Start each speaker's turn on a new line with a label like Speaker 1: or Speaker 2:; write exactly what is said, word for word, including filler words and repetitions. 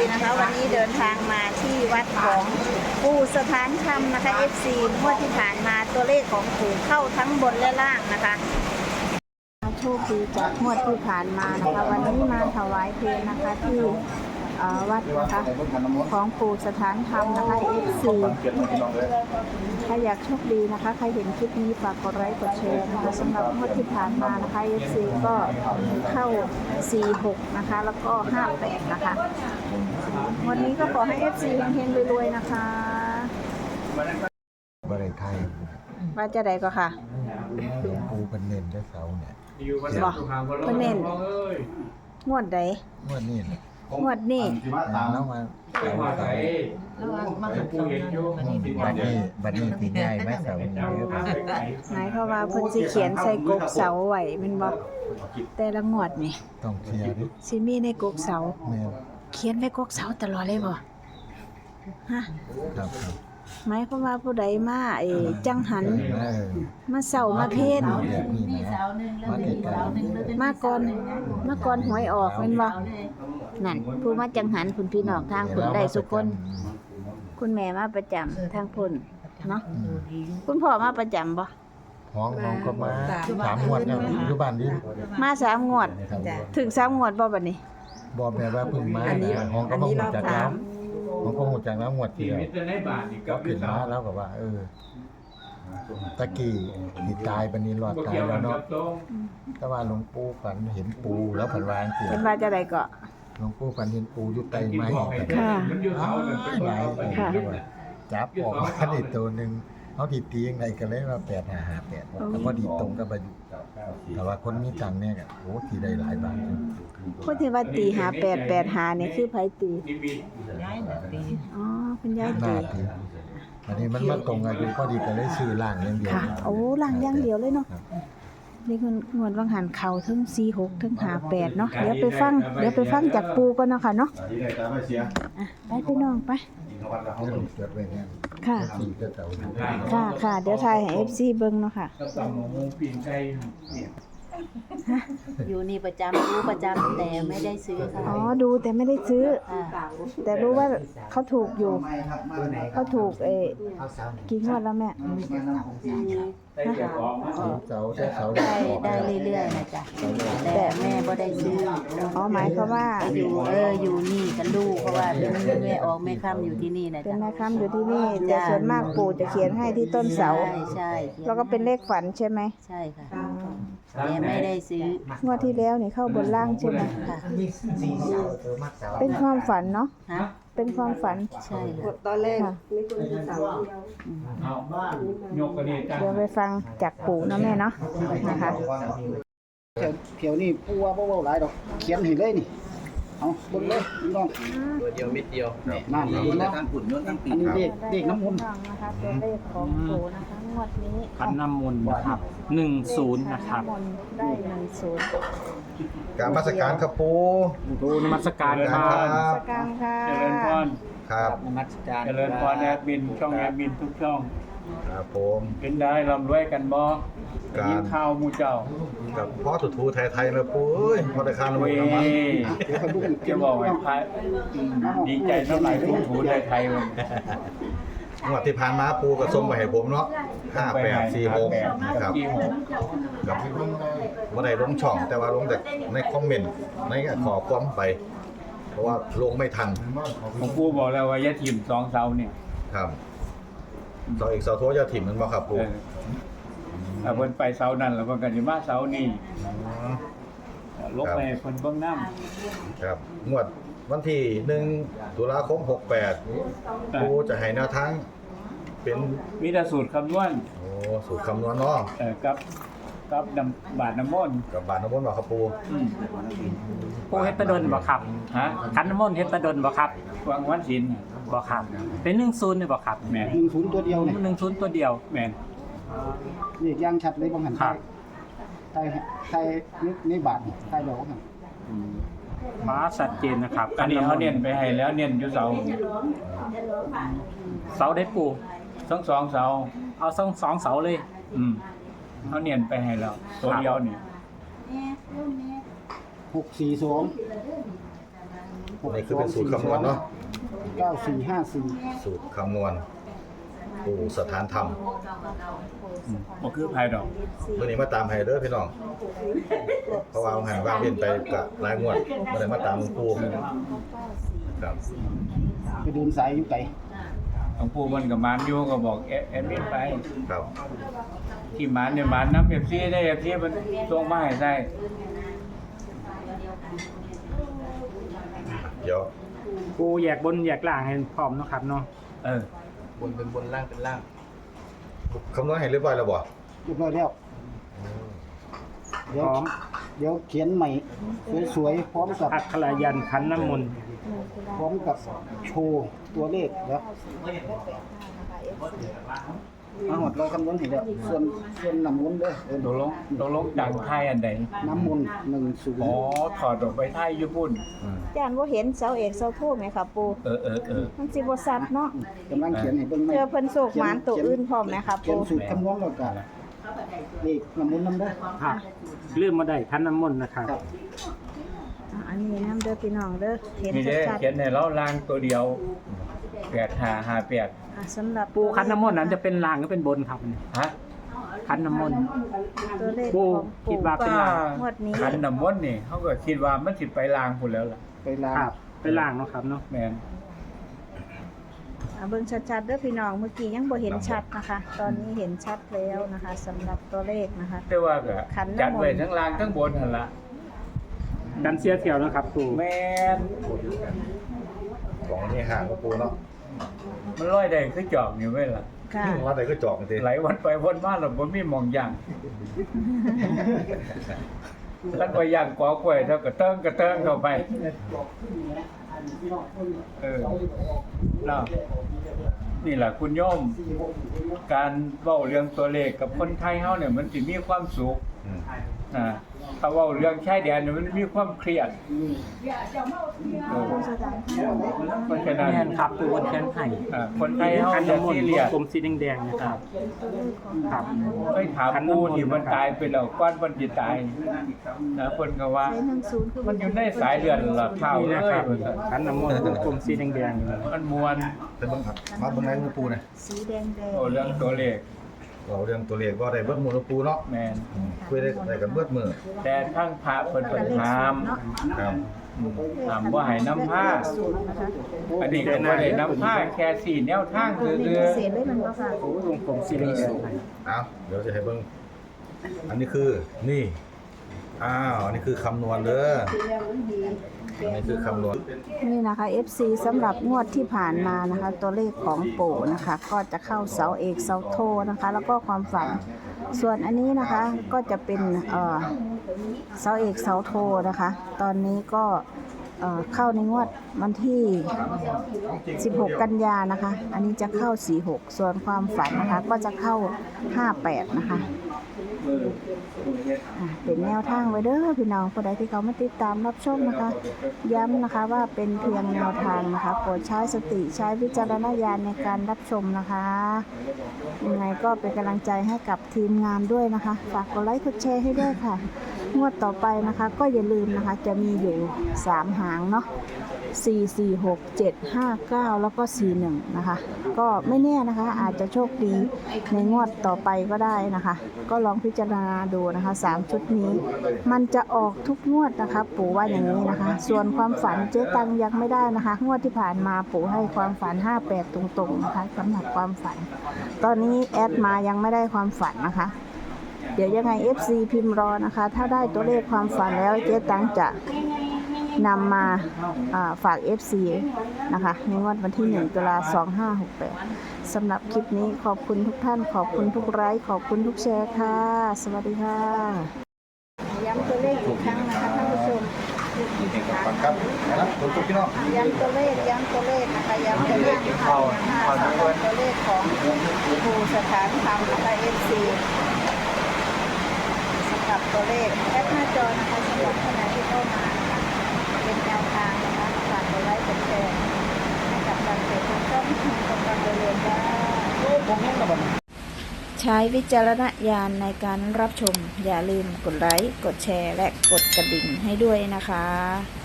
Speaker 1: นะคะ วันนี้เดินทางมาที่วัดของปู่สถานธรรมนะคะ เอฟ ซี งวดที่ผ่านมาตัวเลขของปู่เข้าทั้งบนและล่างนะคะโชคดีจากงวดที่ผ่านมานะคะ วันนี้มาถวายเพลงนะคะที่วัดนะคะของปู่สถานธรรมนะคะ เอฟ ซี ใครอยากโชคดีนะคะใครเห็นคลิปนี้ฝากกดไลค์กดแชร์นะคะสำหรับงวดที่ผ่านมานะคะ เอฟ ซี ก็เข้าสี่หกนะคะแล้วก็ห้าแปดนะคะวันนี้ก็ขอให้ เอฟ ซี เฮงๆรวยๆนะคะ
Speaker 2: บริไทย
Speaker 1: ว่าจะใดก็ค่ะ
Speaker 2: หลวงปู่เป็นเน้นได้เสาเนี่ย
Speaker 1: บอกเป็นเน้นงวดใด
Speaker 2: งวดนี้
Speaker 1: งวดนี้
Speaker 2: แล้วมาเสาเสาบัดนี้บัดนี้ตีง่ายไหมเสาเนี่ย
Speaker 1: หมายความว่าเพิ่นสิเขียนใส่กกเสาไว้แม่นบ่แต่ละงวดนี่
Speaker 2: ต้องเคลียร์ดิ
Speaker 1: สิมีในกกเสาเขียนไว้กกเสาตลอดเลยบ่ฮะ
Speaker 2: ครับ
Speaker 1: หมายความว่าผู้ใดมาเอจังหันมาเสามาเพศมาก่อนมาก่อนหวยออกแม่นบ่นั่นผู้มาจังหันคุณพี่น้องทางคุณได้สุคนคุณแม่มาประจำทางพุ่นเนาะคุณพ่อมาประจำบ่
Speaker 2: ห้องน้องก็มาสามงวดแล้วอยู่บ้านนี้
Speaker 1: มาสามงวดถึงสามงวดบ่บัดนี้
Speaker 2: บ่แม่ว่าเพิ่งมาห้องก็บ่ฮู้จักแล้วห้องก็ฮู้จักแล้วงวดเดียวก็ขึ้นมาแล้วก็ว่าเออตะกี้ที่ตายบัดนี้รอดตายแล้วเนาะแต่ว่าหลวงปู่ฝันเห็นปูแล้วฝันว่าจังซี่
Speaker 1: เห็นว่าจะได้ก็
Speaker 2: หลวงปู่ฝันเห็นปูอยู่ใต้ไม้
Speaker 1: ค่ะ
Speaker 2: หลายค่ะจับออกมาได้ตัวนึงเฮาสิตีจังไดก็เลยว่าแปดห้าห้าแปดก็พอดีตรงกับอายุแต่ว่าคนมีตังค์เนี่ยก็โอ้สิได้หลายบาท
Speaker 1: คนที่ว่าตีหาแปด แปดหานี่คือไผตียายตีอ๋อคุณยายตี
Speaker 2: อันนี้มันมาตรงอายุพอดีก็เลยซื้อล่างอย่างเดียว
Speaker 1: ค่ะโอ้ล่างอย่างเดียวเลยเนาะนี่คืองวดวังหันเข่าทั้งสี่หกทั้งห้าแปดเนาะเดี๋ยวไปฟังเดี๋ยวไปฟังจากปูก่อนเนาะค่ะเนาะไปพี่น้องไปค่ะค่ะค่ะเดี๋ยวถ่ายให้ เอฟ ซี เบิ่งเนาะค่ะ
Speaker 3: อยู่นี่ประจำรู้ประจำแต่ไม่ได้ซื้อค่ะ
Speaker 1: อ๋อดูแต่ไม่ได้ซื้อแต่รู้ว่าเขาถูกอยู่เขาถูกเอกี่งวดแล้วแม่
Speaker 2: เสาได้เสา
Speaker 3: ได้ได้เรื่อยๆนะจ๊ะแต่แม่ก็ได้ซื้อ
Speaker 1: อ๋อหมายความว่า
Speaker 3: อยู่เอออยู่นี่กับลูกเพราะว่าเป็นแม่ออกแม่ค่ำอยู่ที่นี่นะจ๊ะ
Speaker 1: เป็นแม่ค่ำอยู่ที่นี่แต่ส่วนมากปู่จะเขียนให้ที่ต้นเสา
Speaker 3: ใช่ใช่
Speaker 1: แล้วก็เป็นเลขฝันใช่ไหม
Speaker 3: ใช่ค่ะแม่ไม่ได้ซื้อง
Speaker 1: วดที่แล้วนี่เข้าบนล่างใช่ไหมค่ะเป็นความฝันเนาะเป็นความฝัน
Speaker 3: ใช่
Speaker 1: ตอนแรกไม่ควรจะเสาเดี๋ยวไปฟังจากปู่นะแม่เนาะนะคะ
Speaker 4: เขียวนี่ปูว่าเบาๆหลายดอกเขียนให้เลยนี่เอาบนเลยพี่น้อง
Speaker 5: ตัวเดียวเม็ดเดียว
Speaker 4: นั่นนี่นะอันนี้เด็กเด็กน้ำมนต์
Speaker 1: นะคะตัวเลขของปู่นะคะงวดนี้
Speaker 5: ขันน้ำมนต์นะครับหนึ่งศูนย์นะครับ
Speaker 1: ได้หนึ่งศูนย์
Speaker 2: การมาสการครับปู
Speaker 5: ปูนมัสการครับ
Speaker 1: นมัสการค่ะ
Speaker 5: เจริญพร
Speaker 2: ครับ
Speaker 5: นมัสการเจริญพรแอดมินช่องแอดมินทุกช่อง
Speaker 2: ครับผม
Speaker 5: เป็นได้ลำรวยกันบ่ยินข้าวมูเจ้า
Speaker 2: กับพ่อถูถูไทยไทยเลยปูเอ้ยพอได้คานลงน้ำมัน
Speaker 5: จะบอกให้พายดีใจน้ำไหลถูถูไทยไทยมัน
Speaker 2: งวดที่ผ่านมาปูก็ส่งไปให้ผมเนาะห้าแปดสี่หกนะครับกับว่าได้ลงช่องแต่ว่าลงแต่ในคอมเมนต์ในขอความไปเพราะว่าลงไม่ทัน
Speaker 5: ผมปูบอกแล้วว่ายาถิ่มสองเสาเนี่ย
Speaker 2: ครับเสาอีกเสาโทษยาถิ่มมันบ่ครับปู
Speaker 5: ถ้าเพิ่นไปเสานั่นแล้วเพิ่นก็สิมาเสานี่ลบไปเพิ่นเบิ่งน้
Speaker 2: ำครับงวดวันที่หนึ่งตุลาคมหกแปดปูจะให้แนวทางเป็น
Speaker 5: มีแต่สูตรคำนวณ
Speaker 2: โอ้สูตรคำนวณเนาะ
Speaker 5: เออกับกับน้ำบาทน้ำมนต์
Speaker 2: กับบาทน้ำมนต์บ่ครับปู
Speaker 5: ปูเฮ็ดตะดนบ่ครับฮะขันน้ำมนต์เฮ็ดตะดนบ่ครับวางวันศีลบ่ครับเป็นหนึ่งศูนย์นี่บ่ครับแม่น
Speaker 4: หนึ่งศูนย์ตัวเดียวนี่
Speaker 5: หนึ่งศูนย์ตัวเดียวแม่น
Speaker 4: นี่ย่างชัดเลยบ่หันใต้ใต้ใต้นี่บาทใต้ดอกหั่น
Speaker 5: มาชัดเจนนะครับอันนี้เขาเน้นไปให้แล้วเน้นอยู่เสาเสาได้ปูสองสองเสาเอาสองสองเสาเลยอืมเขาเน้นไปให้แล้วตัวเดียวนี่
Speaker 4: หกสี่สองห
Speaker 2: นี่คือเป็นสูตรคำนวณเนาะ
Speaker 4: เก้าสี่ห้าสี่
Speaker 2: สูตรคำนวณปู่สถานธรรม
Speaker 5: บ่คือภายดอก
Speaker 2: เมื่อนี้มาตามให้เด้อพี่น้องเพราะว่าเอาหันว่างเว้นไปกับรายงวดบ่ได้มาตามหลวงปู่ครับ
Speaker 4: ไปเดินสายอยู่ไกล
Speaker 5: หลวงปู่มันก็มานอยู่ก็บอกแอแอดมินไป
Speaker 2: ครับ
Speaker 5: ที่มานเนี่ยมานน้ำ เอฟ ซี ได้ เอฟ ซี มันส่งมาให้ได้
Speaker 2: เดี๋ยว
Speaker 6: ปูแยกบนแยกล่างให้พร้อมเนาะครับเนาะ
Speaker 5: เออ
Speaker 6: บนเป็นบนล่างเป็นล่าง
Speaker 2: คำนวณให้เรียบร้อยแล้วบ่
Speaker 4: เรียบร้อยแล้ว
Speaker 6: พ
Speaker 4: เดี๋ยว
Speaker 6: ร้อม
Speaker 4: เดี๋ยวเขียนใหม่สวยๆพร้อมกับ
Speaker 6: อักขระยันขันน้ำมนต์
Speaker 4: พร้อมกับโชว์ตัวเลขแล้วมาหมดเราคำนวณเห็นแล้วส่วนส่วนน้ำมนต์เด้อเออ
Speaker 5: ตกลงตกลงดังไทยอันใด
Speaker 4: น้ำมนต์หนึ่งศูน
Speaker 5: อ๋อ
Speaker 4: ย์
Speaker 5: ถอดออกไปไทยญี่ปุ่น
Speaker 1: จานว่าเห็นเสาเอกเสาโทไหมค่ะปู
Speaker 5: เออเออเออ
Speaker 1: มันสิบ่ซัดเนาะ
Speaker 4: กำลังเขียนให้เบิ่งไหม
Speaker 1: เจอเพิ่นโศกหมานตัวอื่นพร้อมไหมคะ
Speaker 4: เขีย
Speaker 1: ปู
Speaker 4: นสูตรคำนวณแล้วกันเลขน้ำมนต์น้ำเด้อ
Speaker 6: ครับลืมมาได้ขันน้ำมนต์นะครับ
Speaker 4: ครับ
Speaker 1: อ่ะอันนี้น้ำเด้อพี่น้องเด้อเห็น
Speaker 5: นี่เด้
Speaker 1: ชัด
Speaker 5: เขียนให้เราลางตัวเดียวแปดห้าห้าแปด
Speaker 1: ๆอ่ะสำหรับ
Speaker 6: ปูขันน้ำมนต์นั้นจะเป็นล่างหรือเป็นบนครับ
Speaker 5: ฮะ
Speaker 6: ขันน้ำมนต์
Speaker 1: ตัวเลข
Speaker 6: ปู
Speaker 1: ของ
Speaker 6: คิ
Speaker 1: ปู่
Speaker 6: ดว่าเป็นลาง
Speaker 1: งวดนี้
Speaker 5: ขันน้ำมนต์นี่เขาก็คิดว่ามันสิไปลางพุ่นแล้วล่ะ
Speaker 4: ไปลา
Speaker 6: ครับเป็นล่างเนาะครับเนาะ
Speaker 5: แม่น
Speaker 1: อ่ะเบิ่งชัดๆเด้อพี่น้องเมื่อกี้ยังบ่เห็นชัดนะคะ ตอนนี้เห็นชัดแล้วนะคะสำหรับตัวเลขนะคะ
Speaker 5: แต่ว่าก็
Speaker 1: ขันน้ำมนต์
Speaker 5: จัดไว้ทั้งล่างทั้งบนหั่นล่ะ
Speaker 6: กันเสียเที่ยวนะครับปู
Speaker 5: แม่น
Speaker 2: ของนี่ห่างหลวงปู่เนาะ
Speaker 5: มันลอยได้คือจอกนี่ไว้ล่ะ
Speaker 1: ค่ะ
Speaker 2: ว่าแต่ก็จอกจริง
Speaker 5: ไหลวันไปวนมาแล้วบ่มีหมองย่างแล้วก็ย่างกอกล้วยแล้วก็เติ้งก็เติ้งเข้าไป เออเนาะนี่แหละคุณโยม การเว้าเรื่องตัวเลขกับคนไทยเฮาเนี่ยมันสิมีความสุข
Speaker 2: อืม
Speaker 5: นะถ้าเว้าเรื่องชายแดนเนี่ยมันมีความเครียดเออเพราะฉะนั้น
Speaker 6: แม่นครับปูบนแขนไผ่
Speaker 5: อ่าคนไทยเฮา
Speaker 6: ขัน
Speaker 5: จะ
Speaker 6: น้ำมน
Speaker 5: ซี
Speaker 6: ต์
Speaker 5: เรียส
Speaker 6: กลมสีแดงๆนะครับครับ
Speaker 5: เคยถามปู่ที่มันตายไปแล้วก่อนมันสิตายนะเพิ่นก็ว่า
Speaker 1: ใช้หนึ่งศูนย์คือ
Speaker 5: มันอยู่ในสายเลือดล่ะข้าว
Speaker 6: นี่
Speaker 5: เล
Speaker 6: นะ
Speaker 5: ย
Speaker 6: ครับ
Speaker 5: ว่าซั่น
Speaker 6: ขันน้ำมนต์กลมสีแดงๆอยู่นะ
Speaker 5: มันมวน
Speaker 2: เป็นบังคับมาเบิ่งในหลวงปู่นะ
Speaker 1: สีแดงแดง
Speaker 5: โอ้เรื่องตัวเลข
Speaker 2: เราเรื่องตัวเลขก็ได้เบิดมือหลวงปู่เนาะ
Speaker 5: แม่น
Speaker 2: อืมคุยได้ได้กันเบิดมือ
Speaker 5: แต่ทั้งพระเพิ่นเพิ่นถาม
Speaker 2: ครับ
Speaker 5: ถามว่าให้น้ำผ้า อันนี้ก็บ่ได้น้ำผ้าแค่สี่แนวทางคือ
Speaker 1: มี
Speaker 5: คือ
Speaker 1: พิเศษเลยมันบ่ค่ะ
Speaker 6: วงกลมสีแดงๆให้
Speaker 2: เอาเดี๋ยวจะให้เบิ่งอันนี้คือนี่อ้าวอันนี้คือคำนวณเด้ออันนี้คือคำนวณ
Speaker 1: นี่นะคะ เอฟ ซี สำหรับงวดที่ผ่านมานะคะ ตัวเลขของปู่นะคะ ก็จะเข้าเสาเอกเสาโทนะคะ แล้วก็ความฝัน ส่วนอันนี้นะคะก็จะเป็นเอ่อเสาเอกเสาโทนะคะ ตอนนี้ก็เอ่อเข้าในงวดวันที่สิบหกกันยานะคะ อันนี้จะเข้าสี่หกส่วนความฝันนะคะก็จะเข้าห้าแปดนะคะอ่ะเป็นแนวทางไว้เด้อพี่น้องผู้ใดที่เขามาติดตามรับชมนะคะ ย้ำนะคะว่าเป็นเพียงแนวทางนะคะโปรดใช้สติใช้วิจารณญาณในการรับชมนะคะยังไงก็เป็นกำลังใจให้กับทีมงานด้วยนะคะฝากกดไลค์กดแชร์ให้ด้วยค่ะงวดต่อไปนะคะ ก็อย่าลืมนะคะจะมีอยู่สามหางเนาะสี่ สี่ หก เจ็ด ห้า เก้า แล้วก็สี่หนึ่งนะคะก็ไม่แน่นะคะอาจจะโชคดีในงวดต่อไปก็ได้นะคะ ก็ลองพิจารณาดูนะคะสามชุดนี้ มันจะออกทุกงวดนะคะปู่ว่าอย่างนี้นะคะ ส่วนความฝันเจ๊ตังยังไม่ได้นะคะงวดที่ผ่านมาปู่ให้ความฝันห้าแปดตรงๆนะคะสำหรับความฝัน ตอนนี้แอดมายังไม่ได้ความฝันนะคะ เดี๋ยวยังไง เอฟ ซี พิมพ์รอนะคะ ถ้าได้ตัวเลขความฝันแล้วเจ๊ตังจะนำมาอ่าฝาก เอฟ ซี นะคะในงวดวันที่หนึ่งตุลาคมสองห้าหกแปดสำหรับคลิปนี้ขอบคุณทุกท่านขอบคุณทุกไลค์ขอบคุณทุกแชร์ค่ะ สวัสดีค่ะย้ำตัวเลขอีกครั้งนะคะท่านผู้ชม
Speaker 2: ฟังครับนะครับทุกทุกพี่น้อง
Speaker 1: ย้ำตัวเลขย้ำตัวเลขนะคะย้ำตัวเลขนะคะตัวเลขของครูสถานธรรมนะคะ เอฟ ซี สำหรับตัวเลขแอปหน้าจอนะคะสำหรับท่านไหนที่เข้ามานะคะเป็นแนวทางนะคะฝากกดไลค์กดแชร์ให้กับการเกิดของช่องกำลังเรียนได้ใช้วิจารณญาณในการรับชมอย่าลืมกดไลค์กดแชร์และกดกระดิ่งให้ด้วยนะคะ